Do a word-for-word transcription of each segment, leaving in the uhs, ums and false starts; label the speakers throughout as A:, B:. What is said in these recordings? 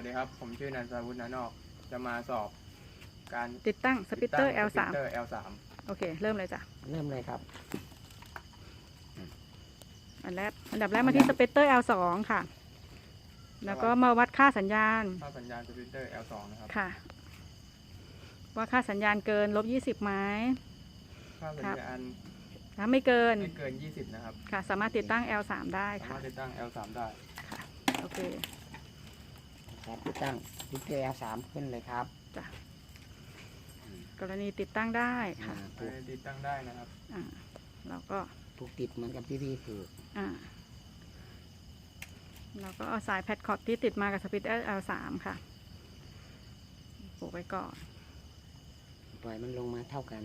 A: วัสดีครับผมชื่อนันทวุฒินานอกจะมาสอบการ
B: ติดตั้งสปิตเตอร์ แอล
A: ส
B: สาม
A: ปิตเตอร์ แอล สาม
B: โอเคเริ่มเลยจ้ะ
C: เริ่มเลยครับ
B: อันแรกอันดับแรกมาที่สปิตเตอร์ แอล สอง ค่ะ แล้วก็มาวัดค่าสัญญาณ
A: ค่าสัญญาณสปิตเตอร์ แอล สอง นะครับ
B: ค่ะว่าค่าสัญญาณเกินลบยี่สิบไหม
A: ค่าสัญญาณ
B: ถ้าไม่เกิน
A: ไม่เกินยี่สิบนะครับ
B: ค่ะสามารถติดตั้ง แอล สาม ได้
A: สา
B: ค่ะ
A: มารถติดตั้ง แอล สาม ได้
B: ค่ะโอเค
C: ครับติดตั้งดิเกอร์ แอล สาม ขึ้นเลยครับ
B: จ้ะกรณีติดตั้งได้ค่ะ
C: อ่าผูก
A: ติดตั้งได้นะครับ
B: อ่าเราก็
C: ผูกติดเหมือนกับที่พี่ผูก
B: อ่าเราก็เอาสายแพดคอร์ดที่ติดมากับสปิตเตอร์ แอล สาม ค่ะผูกไว้ก่อน
C: ปล่อยมันลงมาเท่ากัน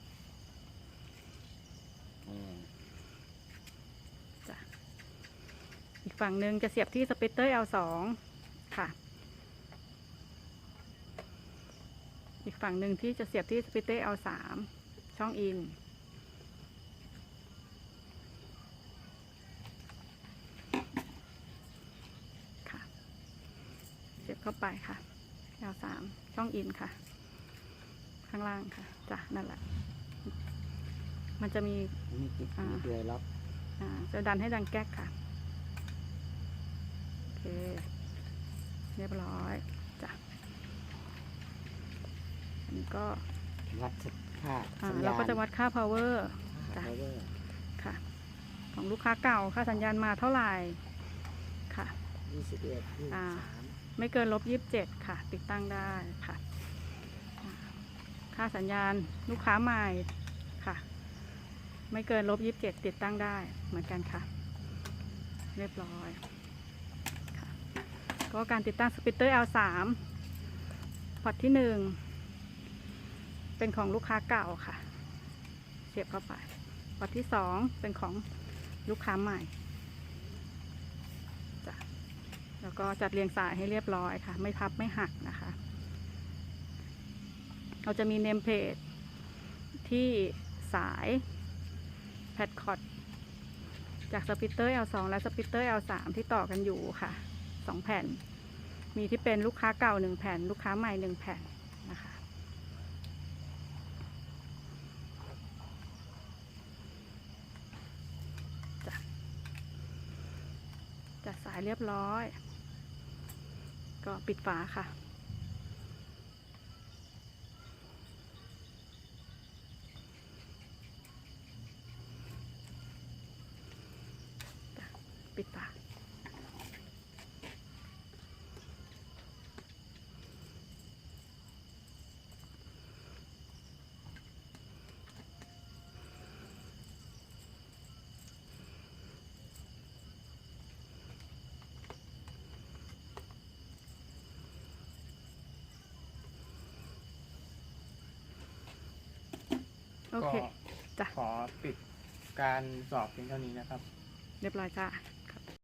C: อืม
B: อีกฝั่งหนึ่งจะเสียบที่สปิตเตอร์ แอล สอง ค่ะอีกฝั่งหนึ่งที่จะเสียบที่สปิตเตอร์ แอล สาม ช่องอินค่ะเสียบเข้าไปค่ะ แอล สาม ช่องอินค่ะข้างล่างค่ะจ้ะนั่นแหละมันจะมี
C: นี่ติด
B: อ่า
C: นี่เดือยล็อก
B: อ่าจะดันให้ดังแก๊กค่ะโอเคเรียบร้อยจ้ะอันนี้ก็
C: วัดค่า
B: อ่า
C: สัญญาณ
B: เราก็จะวัดค่า power จ้ะ
C: พาวเวอร์
B: ค่ะของลูกค้าเก่าค่าสัญญาณมาเท่าไหร่ค่ะ
C: ยี่สิบเอ็ดยี่สิบ
B: อ่า
C: สาม
B: ไม่เกินลบยี่สิบเจ็ดค่ะ ติดตั้งได้ค่ะอ่าค่าสัญญาณลูกค้าใหม่ค่ะ ไม่เกินลบยี่สิบเจ็ดติดตั้งได้เหมือนกันค่ะ เรียบร้อยค่ะก็การติดตั้งสปิตเตอร์ แอล สาม พอร์ตที่หนึ่งเป็นของลูกค้าเก่าค่ะ เสียบเข้าไปพอร์ตที่สองเป็นของลูกค้าใหม่จ้ะแล้วก็จัดเรียงสายให้เรียบร้อยค่ะ ไม่พับไม่หักนะคะ เราจะมีเนมเพจที่สายแพดคอร์ดจากสปิตเตอร์ แอล สอง และสปิตเตอร์ แอล สาม ที่ต่อกันอยู่ค่ะสองแผ่นมีที่เป็นลูกค้าเก่าหนึ่งแผ่นลูกค้าใหม่หนึ่งแผ่นนะคะจ้ะจัดสายเรียบร้อยก็ปิดฝาค่ะปิดฝาโอ
A: ก็
B: เคจ้ะ
A: ขอปิดการสอบเพียงเท่านี้นะครับ
B: เรียบร้อยจ้ะ